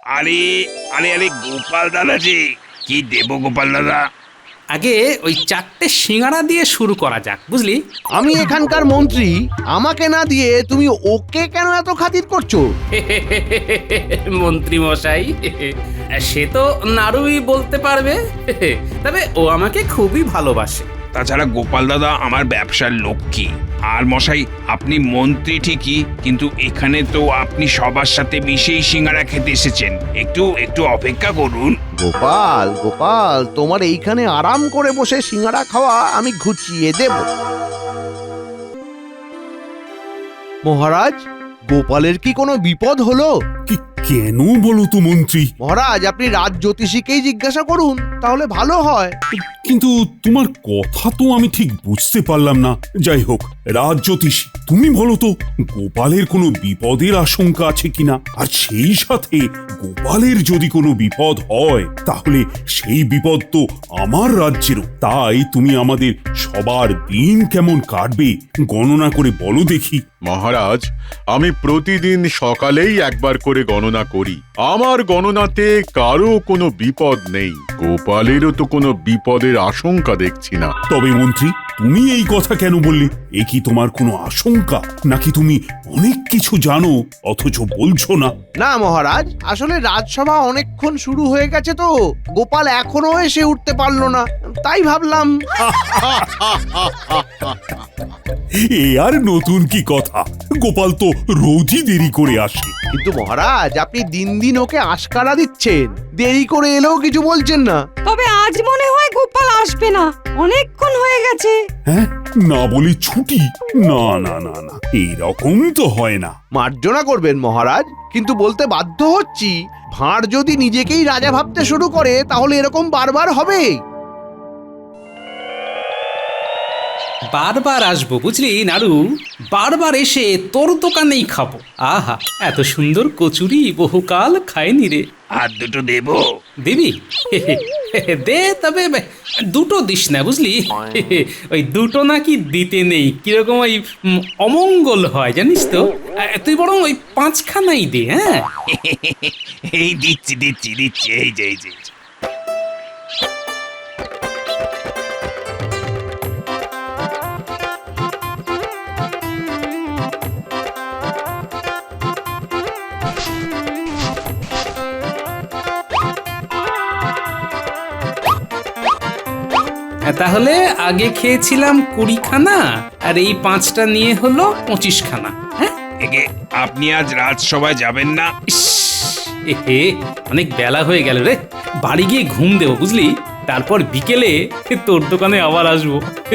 আরে আরে আরে গোপাল দাদা যে, কি দেবো গোপাল দাদা? আগে ওই 4টে সিঙ্গারা দিয়ে শুরু করা যাক, বুঝলি? আমি এখানকার মন্ত্রী, আমাকে না দিয়ে তুমি ওকে কেন এত খাতির করছো? মন্ত্রী মশাই, সে তো নাড়ুই বলতে পারবে। তবে ও আমাকে খুবই ভালোবাসে। তাছাড়া গোপাল দাদা আমার ব্যবসার লক্ষ্মী। আর মশাই, আপনি মন্ত্রী ঠিকই, কিন্তু এখানে তো আপনি সবার সাথে মিশেই সিঙ্গারা খেতে এসেছেন। একটু একটু অপেক্ষা করুন। গোপাল গোপাল, তোমার এইখানে আরাম করে বসে সিঙ্গারা খাওয়া আমি ঘুচিয়ে দেব। মহারাজ, গোপালের কি কোনো বিপদ হলো? কেন বলো তো মন্ত্রী? মহারাজ, আপনি রাজ জ্যোতিষীকেই জিজ্ঞাসা করুন, তাহলে ভালো হয়। কিন্তু তোমার কথা তো আমি ঠিক বুঝতে পারলাম না। যাই হোক, রাজ জ্যোতিষী, তুমি বলো তো গোপালের কোনো বিপদের আশঙ্কা আছে কিনা? আর সেই সাথে গোপালের যদি কোনো বিপদ হয় তাহলে সেই বিপদ তো আমার রাজ্যেরও। তাই তুমি আমাদের সবার দিন কেমন কাটবে গণনা করে বলো দেখি। মহারাজ, আমি প্রতিদিন সকালেই একবার করে গণনা করি। আমার গণনাতে কারো কোনো বিপদ নেই। গোপালেরও তো কোনো বিপদের আশঙ্কা দেখছি না। তবে মন্ত্রী, তুমি এই কথা কেন বললে? এ কি তোমার কোনো আশঙ্কা, নাকি তুমি অনেক কিছু জানো অথচ বলছো না? না মহারাজ, আসলে রাজসভা অনেকক্ষণ শুরু হয়ে গেছে তো, গোপাল এখনো এসে উঠতে পারলো না, তাই ভাবলাম। এ আর নতুন কি কথা? গোপাল তো রোজই দেরি করে আসে। কিন্তু মহারাজ, আপনি দিন দিন ওকে আশকারা দিচ্ছেন, দেরি করে এলেও কিছু বলছেন না। তবে আজ মনে হয় গোপাল আসবে না, অনেকক্ষণ হয়ে গেছে। হ্যাঁ, না বলে ছুটি? না না না না, এইরকম তো হয় না। মার্জনা করবেন মহারাজ, কিন্তু বলতে বাধ্য হচ্ছি, ভাঁড় যদি নিজেকেই রাজা ভাবতে শুরু করে তাহলে এরকম বারবার হবে। বারবার আসবো, বুঝলি নাড়ু? বারবার এসে তোর দোকানেই খাবো। আহা, এত সুন্দর কচুরি বহুকাল খাইনি রে। আর দুটো দেবো? দিবি? দে, তবে দুটো দিস না, বুঝলি? ওই দুটো নাকি দিতে নেই, কিরকম ওই অমঙ্গল হয় জানিস তো। তুই বরং ওই 5খানাই দে। হ্যাঁ, এই দিচ্ছি দিচ্ছি দিচ্ছি, এই যে এই যে। তাহলে আগে খেয়েছিলাম 20খানা, আর এই 5টা নিয়ে হলো 25খানা। হ্যাঁ, এগে, আপনি আজ রাজসভায় যাবেন না? ইস, এহে, অনেক বেলা হয়ে গেল রে। বাড়ি গিয়ে ঘুম দেবো, বুঝলি? তারপর বিকেলে তোর দোকানে আবার আসবো।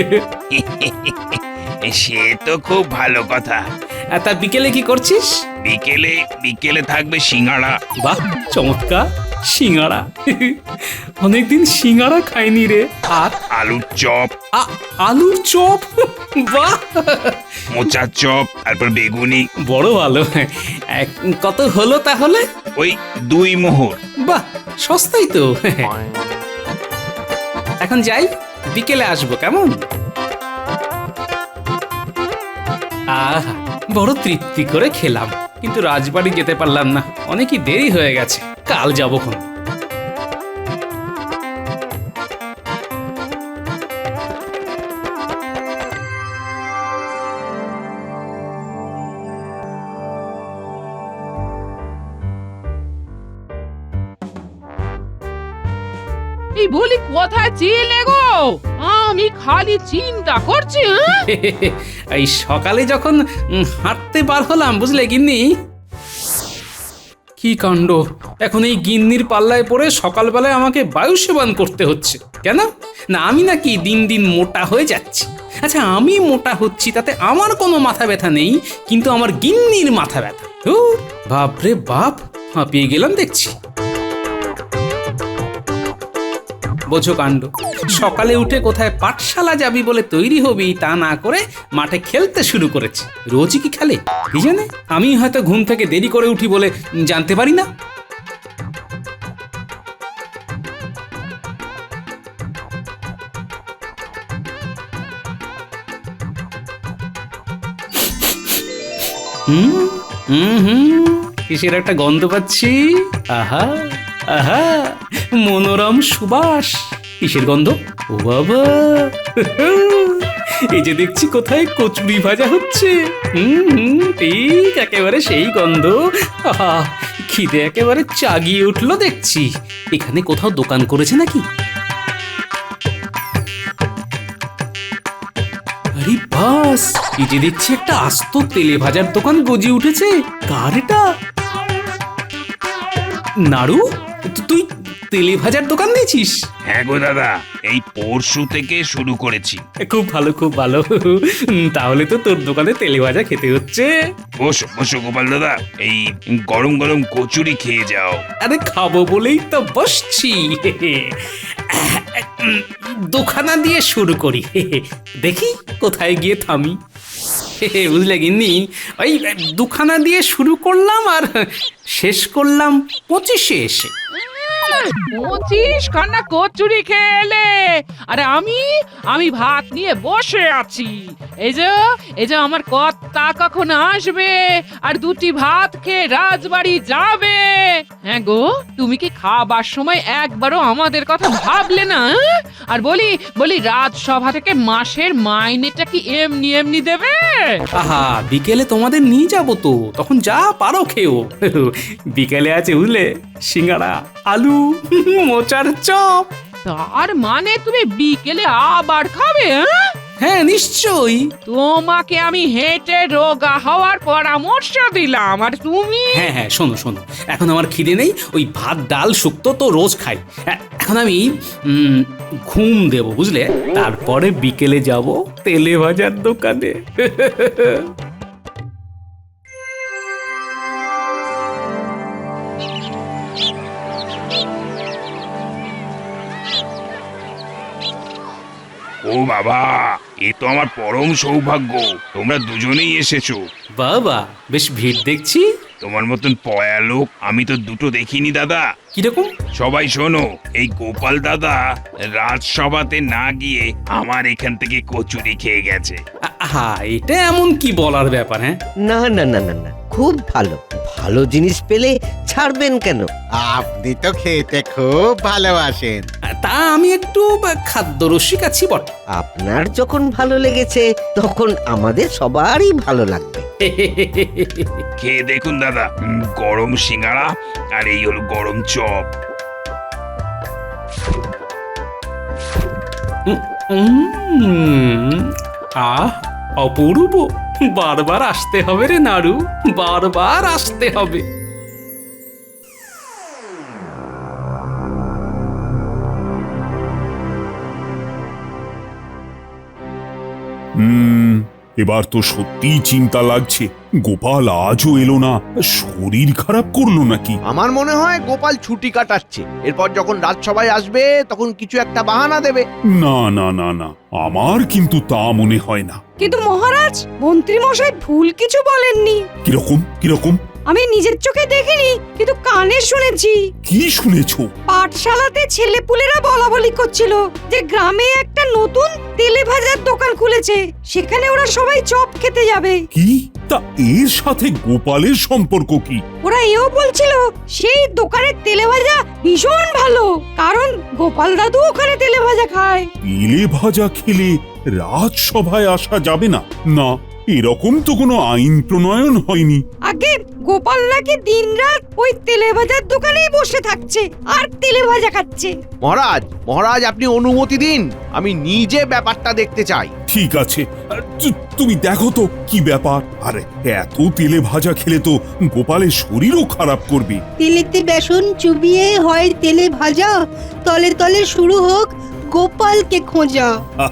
সে তো খুব ভালো কথা। তা বিকেলে কি করছিস? বিকেলে বিকেলে থাকবে সিঙ্গাড়া। বাহ, চমৎকার! সিঙ্গাড়া, অনেকদিন সিঙ্গাড়া খাইনি রে। আর আলুর চপ, আলুর চপ, বাহ! মোচার চপ, তারপর বেগুনি। বড় ভালো। কত হলো তাহলে? ওই 2 মোহর। বাহ, সস্তাই তো। এখন যাই, বিকেলে আসবো, কেমন? আহা, বড় তৃপ্তি করে খেলাম, কিন্তু রাজবাড়ি যেতে পারলাম না, অনেকই দেরি হয়ে গেছে। কাল যাবো খন। এই বলি, কোথায় ছিলে গো? আমি খালি চিন্তা করছি। এই সকালে যখন হাঁটতে বার হলাম, বুঝলে গিন্নি? কি কাণ্ড! এখন এই গিন্নির পাল্লায় পড়ে সকালবেলায় আমাকে বায়ু সেবন করতে হচ্ছে। কেন? না আমি নাকি দিন দিন মোটা হয়ে যাচ্ছি? আচ্ছা, আমি মোটা হচ্ছি তাতে আমার কোনো মাথা ব্যথা নেই, কিন্তু আমার গিন্নির মাথা ব্যথা। বাপরে বাপ, হাঁপিয়ে গেলাম দেখছি। বোঝো কাণ্ড! সকালে উঠে কোথায় পাঠশালা যাবি বলে তৈরি হবি, তা না করে মাঠে খেলতে শুরু করেছে। রোজই কি খেলে কি জানে? আমি হয়তো ঘুম থেকে দেরি করে উঠি বলে জানতে পারি না। হুম হুম হুম কিসের একটা গন্ধ পাচ্ছি। আহা আহা, মনোরম সুবাস। কিসের গন্ধ? ও বাবা, এই যে দেখছি কোথায় কচুরি ভাজা হচ্ছে। ঠিক একেবারে সেই গন্ধ। আহা, খিদে একেবারে চাগিয়ে উঠলো দেখছি। এখানে কোথাও দোকান করেছে নাকি? আরে বাস, এই যে দেখছি একটা আস্ত তেলে ভাজার দোকান গজে উঠেছে। কার এটা? নাড়ু, তুই তেলে ভাজার দোকান দিয়েছিস? হ্যাঁ গো দাদা, এই পরশু থেকে শুরু করেছি। খুব ভালো, খুব ভালো। তাহলে তো তোর দোকানে তেলে ভাজা খেতে হচ্ছে। বসো বসো গোপাল দাদা, এই গরম গরম কচুরি খেয়ে যাও। আরে খাবো বলেই তো বসছি। দোকানা দিয়ে শুরু করি, দেখি কোথায় গিয়ে থামি। বুঝলে গিন্নি, ওই দুখানা দিয়ে শুরু করলাম আর শেষ করলাম 25-এ এসে। 25 খানা কচুরি খেলে, আরে আমি ভাত নিয়ে বসে আছি। এই যে আমার কর্তা কখন আসবে আর দুটি ভাত খেয়ে রাজবাড়ি যাবে। হ্যাঁ গো, তুমি কি খাবার সময় একবারও আমাদের কথা ভাবলে না? আর বলি রাজসভা থেকে মাসের মাইনেটা কি এমনি এমনি দেবে? আহা, বিকেলে তোমাদের নিয়ে যাবো তো, তখন যা পারো খেও। বিকেলে আছে বুঝলে, সিঙ্গাড়া, আলু, মোচার চপ। তার মানে তুমি বিকেলে আবার খাবে? হ্যাঁ নিশ্চয়ই। তোমাকে আমি হেঁটে রোগা হওয়ার পরামর্শ দিলাম, আর তুমি? হ্যাঁ হ্যাঁ, শোনো শোনো, এখন আমার খিদে নেই। ওই ভাত ডাল শুক্তো তো রোজ খাই। এখন আমি ঘুম দেব বুঝলে, তারপরে বিকেলে যাব তেলে ভাজার দোকানে। ও বাবা, এ তো আমার পরম সৌভাগ্য, তোমরা দুজনেই এসেছো। বাবা, বেশ ভিড় দেখছি। তোমার মতন পয়া লোক আমি তো দুটো দেখিনি দাদা। কিরকম? সবাই শোনো, এই গোপাল দাদা রাজসভাতে না গিয়ে আমার এখান থেকে কচুরি খেয়ে গেছে। আহা, এটা এমন কি বলার ব্যাপার? হ্যাঁ, না না না না না, খুব ভালো। ভালো জিনিস পেলে ছাড়বেন কেন? আপনি তো খেতে খুব ভালোবাসেন। তা আমি একটু খাদ্যরসিক আছি বটে। আপনার যখন ভালো লেগেছে তখন আমাদের সবারই ভালো লাগবে। খেয়ে দেখুন দাদা, গরম সিঙ্গাড়া আর এই হলো গরম চপ। আহ, অপূর্ব। বারবার আসতে হবে রে নাড়ু, বারবার আসতে হবে। এবার তো সত্যিই চিন্তা লাগছে, গোপাল আজও এলো না। শরীর খারাপ করলো নাকি? আমার মনে হয় গোপাল ছুটি কাটাচ্ছে, এরপর যখন রাজসভায় আসবে তখন কিছু একটা বাহানা দেবে। না না না না, আমার কিন্তু তা মনে হয় না। কিন্তু মহারাজ, মন্ত্রী মশাই ভুল কিছু বলেননি। কিরকম কিরকম? আমি নিজের চোখে দেখিনি, কিন্তু কানে শুনেছি। কি শুনেছো? পাঠশালাতে ছেলেপুলেরা বলা বলি করছিল যে গ্রামে একটা নতুন তেলে ভাজার দোকান খুলেছে, সেখানে ওরা সবাই চপ খেতে যাবে। কি? তা এর সাথে গোপালের সম্পর্ক কি? ওরা এও বলছিল সেই দোকানের তেলে ভাজা ভীষণ ভালো, কারণ গোপাল দাদু ওখানে তেলে ভাজা খায়। তেলে ভাজা খেলে রাজসভায় আসা যাবে না? না, এরকম তো কোনো আইন প্রণয়ন হয়নি। আগে গোপাল নাকি দিনরাত ওই তেলে ভাজার দোকানেই বসে থাকছে আর তেলে ভাজা খাচ্ছে। মহারাজ, মহারাজ আপনি অনুমতি দিন, আমি নিজে ব্যাপারটা দেখতে চাই। ঠিক আছে, তুমি দেখো তো কি ব্যাপার। আরে এত তেলে ভাজা খেলে তো গোপালের শরীরও খারাপ করবে। তেলেতে বেসন চুবিয়ে হয় তেলে ভাজা, তলে তলে শুরু হোক গোপালকে খোঁজা।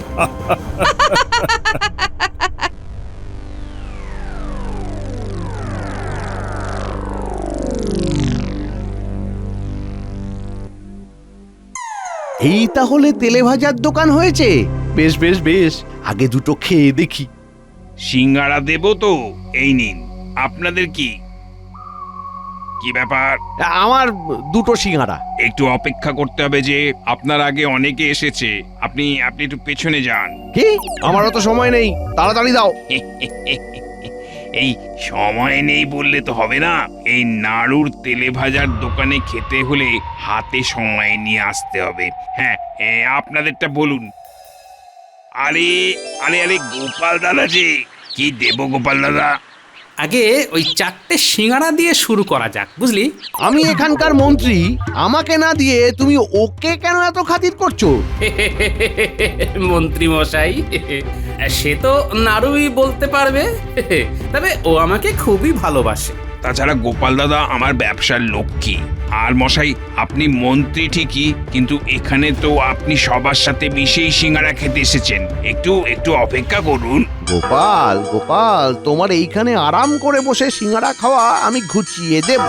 এই তাহলে তেলে ভাজার দোকান হয়েছে। বেশ বেশ বেশ, আগে দুটো খেয়ে দেখি। সিঙ্গাড়া দেবো তো, এই নিন। আপনাদের কি কি ব্যাপার? আমার দুটো সিঙ্গাড়া। একটু অপেক্ষা করতে হবে যে, আপনার আগে অনেকে এসেছে। আপনি একটু পেছনে যান। কি? আমারও তো সময় নেই, তাড়াতাড়ি দাও। এই সময় নেই বললে তো হবে না। এই নাড়ুর তেলে ভাজার দোকানে খেতে হলে হাতে সময় নিয়ে আসতে হবে। হ্যাঁ, আপনাদেরটা বলুন। আরে আরে আরে গোপাল দাদা যে, কি দেব গোপাল দাদা? আগে ওই 4টে সিঙ্গারা দিয়ে শুরু করা যাক, বুঝলি? আমি এখানকার মন্ত্রী, আমাকে না দিয়ে তুমি ওকে কেন এত খাতির করছো? মন্ত্রী মশাই, সে তো নাড়ুই বলতে পারবে। তবে ও আমাকে খুবই ভালোবাসে। তাছাড়া গোপাল দাদা আমার ব্যবসার লক্ষ্মী। আর মশাই, আপনি মন্ত্রী ঠিকই, কিন্তু এখানে তো আপনি সবার সাথে মিশেই সিঙ্গারা খেতে এসেছেন। একটু একটু অপেক্ষা করুন। গোপাল গোপাল, তোমার এইখানে আরাম করে বসে সিঙ্গারা খাওয়া আমি ঘুচিয়ে দেব।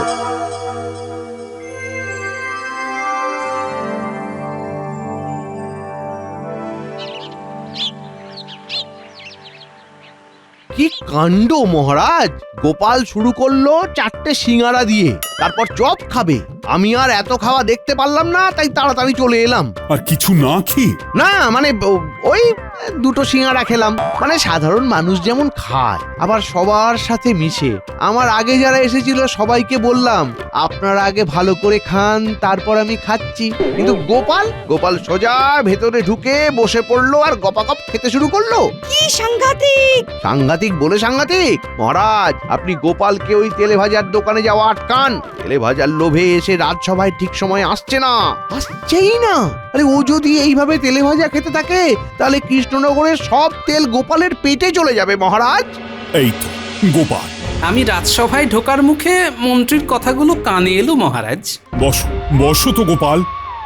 কি কাণ্ড মহারাজ! গোপাল শুরু করলো 4টে সিঙ্গারা দিয়ে, তারপর চপ খাবে। আমি আর এত খাওয়া দেখতে পারলাম না, তাই তাড়াতাড়ি চলে এলাম। আর কিছু না খেয়ে? না মানে ওই 2টো সিঙ্গারা খেলাম। মানে সাধারণ মানুষ যেমন খায়, আবার সবার সাথে মিশে। আমার আগে যারা এসেছিল সবাইকে বললাম আপনারা আগে ভালো করে খান, তারপর আমি খাচ্ছি। কিন্তু গোপাল সোজা ভেতরে ঢুকে বসে পড়লো আর গপাগপ খেতে শুরু করলো। কি সাংঘাতিক! সাংঘাতিক বলে সাংঘাতিক? মহারাজ, আপনি গোপালকে ওই তেলে ভাজার দোকানে যাওয়া আটকান। তেলে ভাজার লোভে এসে রাজসভায় ঠিক সময় আসছেই না। আরে ও যদি এইভাবে তেলে ভাজা খেতে থাকে, তাহলে কৃষ্ণনগরের সব তেল গোপালের পেটে চলে যাবে মহারাজ। এই তো গোপাল। আমি রাজসভায় ঢোকার মুখে মন্ত্রীর কথাগুলো কানে এলো মহারাজ। বসো বসো তো গোপাল।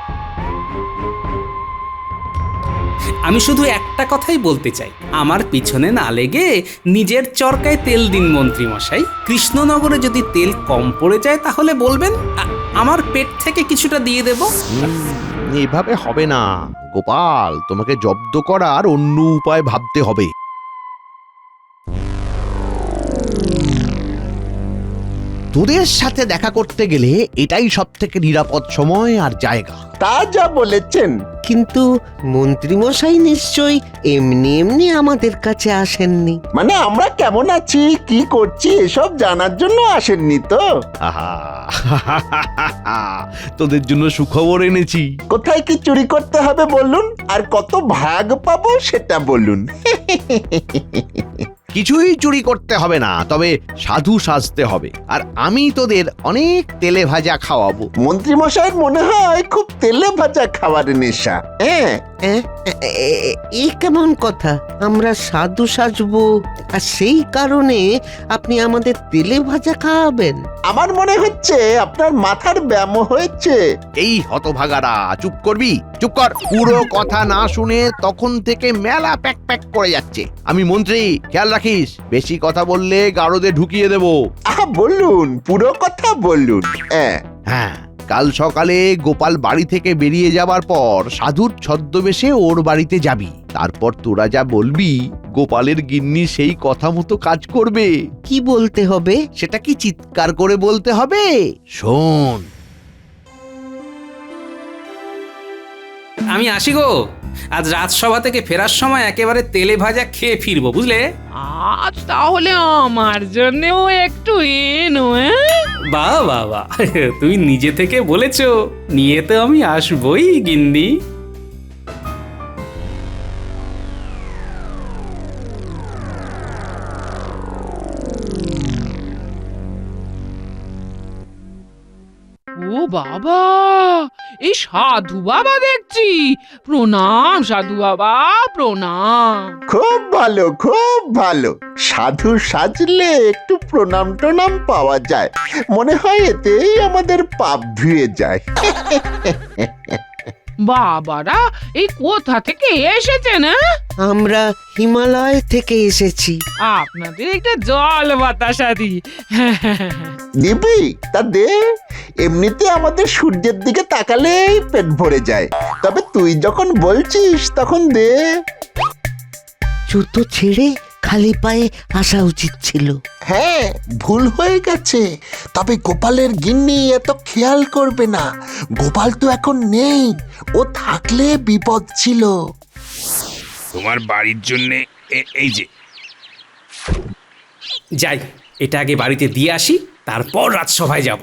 আমি শুধু একটা কথাই বলতে চাই, আমার পিছনে না লেগে নিজের চরকায় তেল দিন মন্ত্রী মশাই। কৃষ্ণনগরে যদি তেল কম পড়ে যায় তাহলে বলবেন, আমার পেট থেকে কিছুটা দিয়ে দেব। এভাবে হবে না গোপাল, তোমাকে জব্দ করার অন্য উপায় ভাবতে হবে। তোদের সাথে দেখা করতে গেলে এটাই সবথেকে নিরাপদ সময় আর জায়গা। তা যা বলেছেন, কিন্তু মন্ত্রীমশাই নিশ্চয়ই এমনি এমনি আমাদের কাছে আসেননি। মানে আমরা কেমন আছি, কি করছি এসব জানার জন্য আসেননি তো? আহা, তোদের জন্য সুখবর এনেছি। কোথায় কি চুরি করতে হবে বলুন, আর কত ভাগ পাবো সেটা বলুন। কিছুই চুরি করতে হবে না, তবে সাধু সাজতে হবে। আর আমি তোদের অনেক তেলে ভাজা খাওয়াবো। মন্ত্রীমশাইয়ের মনে হয় খুব তেলে ভাজা খাবার নেশা। হ্যাঁ, এই কেমন কথা? আমরা সাধু সাজবো আর সেই কারণে আপনি আমাদের তেলে ভাজা খাওয়াবেন? আমার মনে হচ্ছে আপনার মাথার ব্যায়াম হয়েছে। এই হতভাগারা, চুপ করবি? চুপ কর। পুরো কথা না শুনে তখন থেকে মেলা প্যাক প্যাক করে যাচ্ছে। আমি মন্ত্রী, খেয়াল রাখিস, বেশি কথা বললে গারদে ঢুকিয়ে দেব। বলুন, পুরো কথা বলুন। হ্যাঁ, কাল সকালে গোপাল বাড়ি থেকে বেরিয়ে যাবার পর সাধুর ছদ্মবেশে ওর বাড়িতে যাবি। তারপর তোরা যা বলবি, গোপালের গিন্নি সেই কথা মতো কাজ করবে। কি বলতে হবে? সেটা কি চিৎকার করে বলতে হবে? শোন। আমি আসি গো। আজ রাজসভা থেকে ফেরার সময় একেবারে তেলে ভাজা খেয়ে ফিরবো, বুঝলে? আজ তাহলে আমার জন্যও একটু এনো। বাহ বাহ বাহ, তুই নিজে থেকে বলেছো, নিয়ে তো আমি আসবই গিন্নি। ও বাবা, এই সাধু বাবা দেখছি। প্রণাম সাধু বাবা, প্রণাম। খুব ভালো, খুব ভালো। সাধু সাজলে একটু প্রণাম টনাম পাওয়া যায়, মনে হয় এতেই আমাদের পাপ ধুয়ে যায়। বাবারা এই কোথা থেকে এসেছেন? আমরা হিমালয় থেকে এসেছি। আপনাদের একটা জল বাতাসা দি। দিবি? তা দে। এমনিতে আমাদের সূর্যের দিকে তাকালেই পেট ভরে যায়, তবে তুই যখন বলছিস তখন দে। জুতো ছেড়ে খালি পায়ে আসা উচিত ছিল। হ্যাঁ, ভুল হয়ে গেছে। তবে গোপালের গিন্নি এত খেয়াল করবে না। গোপাল তো এখন নেই, ও থাকলে বিপদ ছিল। তোমার বাড়ির জন্য এই যে যাই, এটা আগে বাড়িতে দিয়ে আসি, তারপর রাজসভায় যাব।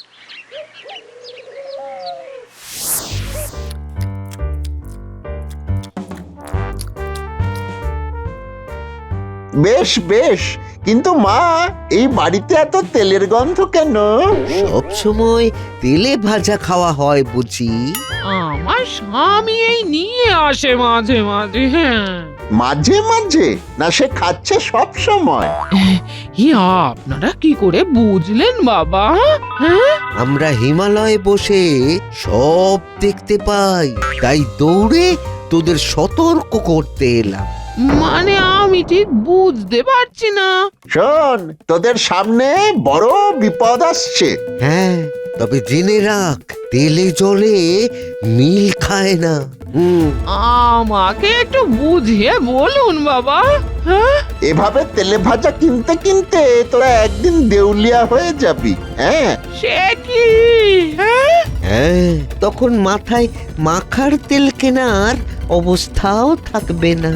বেশ বেশ, কিন্তু মা, এই বাড়িতে এত তেলের গন্ধ কেন? সব সময় তেলে ভাজা খাওয়া হয় বুঝি? আমার স্বামী এই নিয়ে আসে মাঝে মাঝে। হ্যাঁ, মাঝে মাঝে না, সে খাচ্ছে সব সময়। আপনারা কি করে বুঝলেন বাবা? হ্যাঁ, আমরা হিমালয়ে বসে সব দেখতে পাই, তাই দৌড়ে তোদের সতর্ক করতে এলাম। মানে আমি ঠিক বুঝতে পারছি না। শোন, তোদের সামনে বড় বিপদ আসছে। হ্যাঁ, তবে জেনে রাখ, তেলে জলে মিল খায় না। আমাকে একটু বুঝিয়ে বলুন বাবা। হ্যাঁ, এভাবে তেলে ভাজা কিনতে কিনতে তোরা একদিন দেউলিয়া হয়ে যাবি। হ্যাঁ সে কি? হ্যাঁ, হ্যাঁ, তখন মাথায় মাখার তেল কেনার অবস্থাও থাকবে না।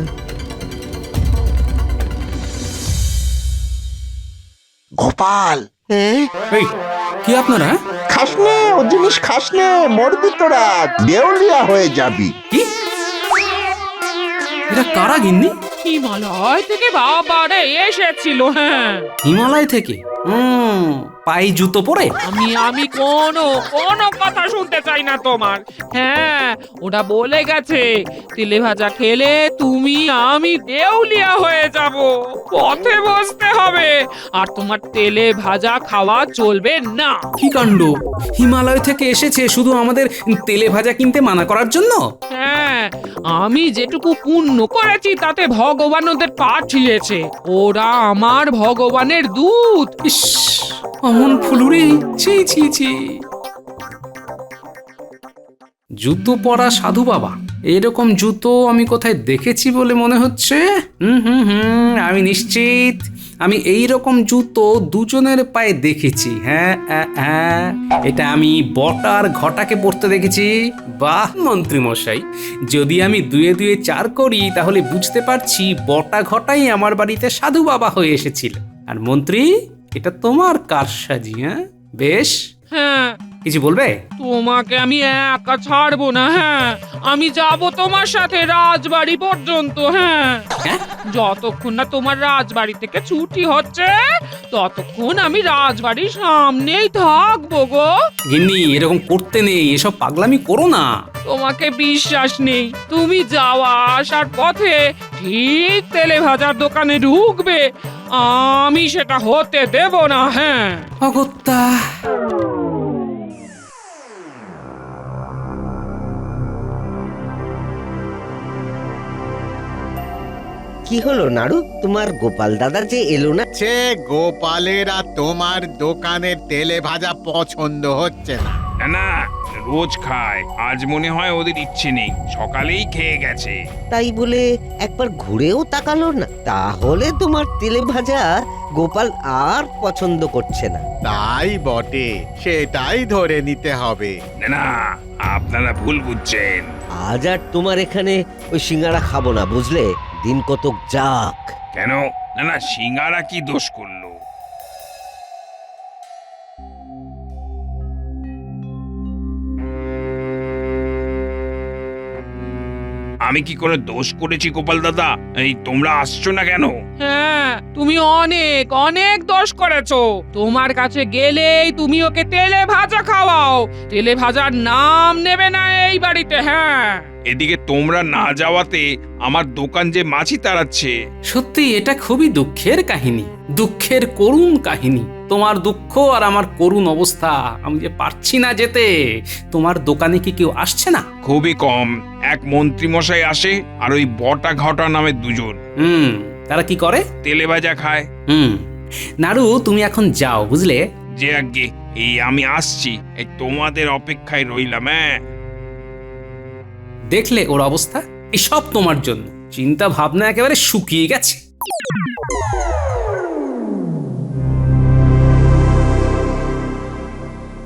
গোপাল, হ্যাঁ, এই, কি আপনারা? খাস নে ও জিনিস, খাস নে, মরবি তোরা, দেউলিয়া হয়ে যাবি। কি? এটা কারা গিন্নি? হিমালয় থেকে বাবারে এসেছিল। হ্যাঁ, হিমালয় থেকে? পায়ে জুতো পরে? আমি কোনো কথা শুনতে চাই না তোমার। হ্যাঁ, ওটা বলে গেছে তেলে ভাজা খেলে তুমি আমি দেউলিয়া হয়ে যাব, পথে বসতে হবে, আর তোমার তেলে ভাজা খাওয়া চলবে না। কি কাণ্ড! হিমালয় থেকে এসেছে শুধু আমাদের তেলে ভাজা কিনতে মানা করার জন্য? হ্যাঁ, আমি যেটুকু পুণ্য করেছি তাতে ভগবান ওদের পাঠিয়েছে। ওরা আমার ভগবানের দূত। ইস, অমন ফুলুরি! ছি ছি ছি! জুতো পরা সাধু বাবা, এরকম জুতো আমি কোথায় দেখেছি বলে মনে হচ্ছে। আমি নিশ্চিত আমি এই রকম জুতো দুজনের পায়ে দেখেছি। হ্যাঁ, এটা আমি বটার ঘটাকে পরতে দেখেছি। বাহ মন্ত্রী মশাই, যদি আমি দুয়ে দুয়ে চার করি তাহলে বুঝতে পারছি বটা ঘটাই আমার বাড়িতে সাধু বাবা হয়ে এসেছিল। আর মন্ত্রী, এটা তোমার কারসাজি। হ্যাঁ, বেশ। হ্যাঁ, কিছু বলবে? তোমাকে আমি একা ছাড়বো না। হ্যাঁ, আমি যাব তোমার সাথে রাজবাড়ি পর্যন্ত। হ্যাঁ, যতক্ষণ না তোমার রাজবাড়ি থেকে ছুটি হচ্ছে ততক্ষণ আমি রাজবাড়ির সামনেই থাকবো গো। গিন্নি, এরকম করতে নেই, এসব পাগলামি করো না। তোমাকে বিশ্বাস নেই? তুমি যাওয়া আসার পথে ঠিক তেলে ভাজার দোকানে ঢুকবে, আমি সেটা হতে দেব না। হ্যাঁ, অগত্যা! কি হলো নাড়ু, তোমার গোপাল দাদা যে এলো না? সে গোপালের আর তোমার দোকানের তেলে ভাজা পছন্দ হচ্ছে না। না না, রোজ খায়, আজ মনে হয় ওদের ইচ্ছে নেই, সকালেই খেয়ে গেছে। তাই বলে একবার ঘুরেও তাকালো না? তাহলে তোমার তেলে ভাজা গোপাল আর পছন্দ করছে না। তাই বটে, সেটাই ধরে নিতে হবে। না না, আপনারা ভুল বুঝছেন। আজ আর তোমার এখানে ওই সিঙ্গারা খাবো না, বুঝলে? দিন কতক যাক। কেন? না না, সিঙ্গারা কি দোষ করলো? আমি কি করে দোষ করেছি গোপাল দাদা? এই তোমরা আসছো না কেন? হ্যাঁ, তুমি অনেক অনেক দোষ করেছো। তোমার কাছে গেলেই তুমি ওকে তেলে ভাজা খাওয়াও, তেলে ভাজার নাম নেবে না এই বাড়িতে। হ্যাঁ, এদিকে তোমরা না যাওয়াতে আমার দোকান যে মাছি তাড়াচ্ছে। সত্যি এটা খুবই দুঃখের কাহিনী, দুঃখের করুণ কাহিনী। তোমার দুঃখ আর আমার করুণ অবস্থা, আমি যে পারছি না যেতে। তোমার দোকানে কি কেউ আসছে না? খুবই কম, এক মন্ত্রী মশাই আসে আর ওই বটা ঘটা নামে দুজন। তারা কি করে? তেলে ভাজা খায়। নাড়ু, তুমি এখন যাও, বুঝলে? যে আগে এই আমি আসছি, এই তোমাদের অপেক্ষায় রইলাম। হ্যাঁ, দেখলে ওর অবস্থা? এই সব তোমার জন্য। চিন্তা ভাবনা একেবারে শুকিয়ে গেছে।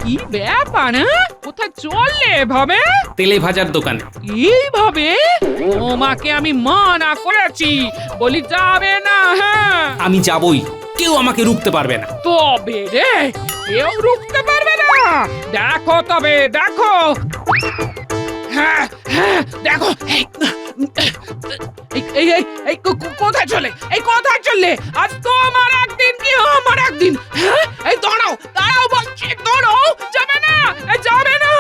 কি ব্যাপার কোথায় চললে এভাবে? তেলে ভাজার দোকানে। এইভাবে তোমাকে আমি মানা করেছি, বলি যাবে না। হ্যাঁ আমি যাবই, কেউ আমাকে রুখতে পারবে না। তবে রে, কেউ রুখতে পারবে না। দেখো তবে দেখো। হ্যাঁ হ্যাঁ দেখো। কোথায় চলে, এই কোথায় চললে? আজ তোমার একদিন কি আমার একদিন। হ্যাঁ এই দাঁড়াও দাঁড়াও বলছি, দাঁড়াও। যাবে না, যাবে না।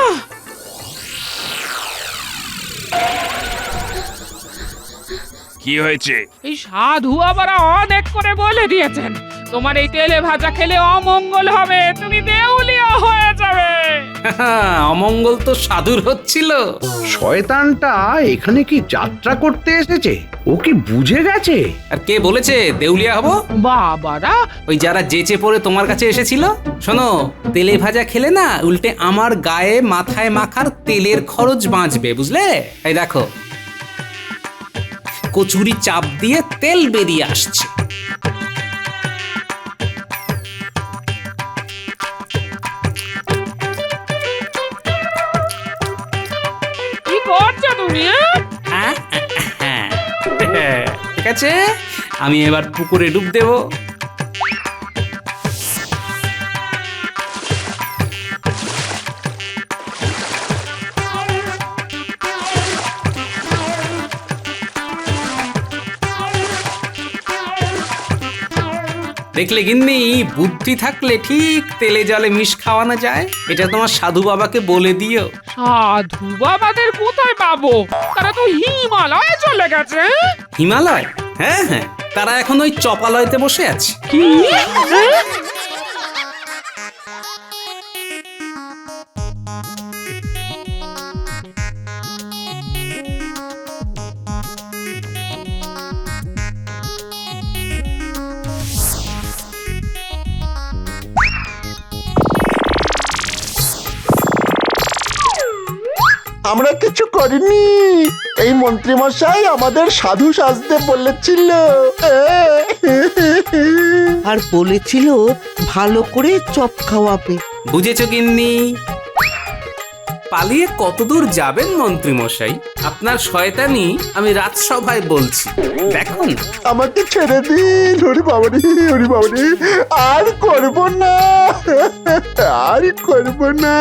কি হয়েছে? এই সাধু আবার অনেক করে বলে দিয়েছেন তোমার এই তেলে ভাজা খেলে অমঙ্গল হবে, তুমি দেউলিয়া হয়ে যাবে। অমঙ্গল তো সাধুর হচ্ছিল। শয়তানটা এখানে কি যাত্রা করতে এসেছে? ও কি বুঝে গেছে? আর কে বলেছে দেউলিয়া হব? বাবারা, ওই যারা যেচে পড়ে তোমার কাছে এসেছিল। শোনো, তেলে ভাজা খেলে না উল্টে আমার গায়ে মাথায় মাখার তেলের খরচ বাঁচবে, বুঝলে? এই দেখো, কচুরি চাপ দিয়ে তেল বেরিয়ে আসছে। কি করছো তুমি? ঠিক আছে, আমি এবার পুকুরে ডুব দেব। দেখলে গিন্নি, বুদ্ধি থাকলে ঠিক তেলে জলে মিশ খাওয়ানো যায়। এটা তোমার সাধু বাবাকে বলে দিও। সাধু বাবাদের কোথায় পাবো? তারা তো হিমালয়ে চলে গেছে। হিমালয়? হ্যাঁ হ্যাঁ, তারা এখন ওই চপালয়তে বসে আছে। কি? আমরা কিছু করিনি, এই মন্ত্রী মশাই আমাদের সাধু সাজতে বলেছিল। আর বলেছিল ভালো করে চপ খাওয়াবে। বুঝেছো গিন্নি? পালিয়ে কতদূর যাবেন মন্ত্রী মশাই? আপনার শয়তানি আমি রাজসভায় বলছি, দেখুন। আমাকে ছেড়ে দিন, হরি বাবারি, হরি বাবারি, আর করব না, আর করব না,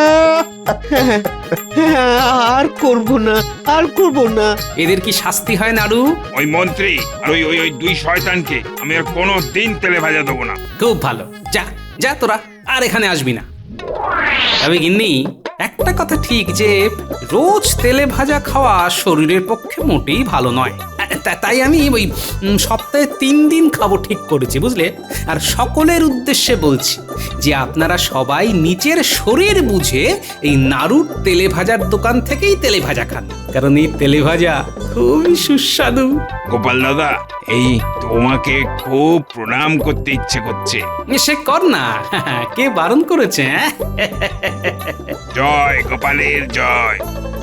আর করব না, আর করব না। এদের কি শাস্তি হয় নাড়ু? ওই মন্ত্রী আর ওই ওই ওই দুই শয়তানকে আমি আর কোনো দিন তেলে ভাজা দেবো না। খুব ভালো, যা যা তোরা আর এখানে আসবি না। তবে গিন্নি, একটা কথা ঠিক যে রোজ তেলে ভাজা খাওয়া শরীরের পক্ষে মোটেই ভালো নয়। তাই আমি ওই সপ্তাহে 3 দিন খাবো ঠিক করেছি, বুঝলে? আর সকলের উদ্দেশ্যে বলছি যে আপনারা সবাই নিজের শরীর বুঝে এই নাড়ুর তেলে ভাজার দোকান থেকেই তেলে ভাজা খান, কারণ এই তেলে ভাজা খুবই সুস্বাদু। গোপাল দাদা, এই তোমাকে খুব প্রণাম করতে ইচ্ছে করছে। সে কর না, কে বারণ করেছে? জয় গোপালের জয়।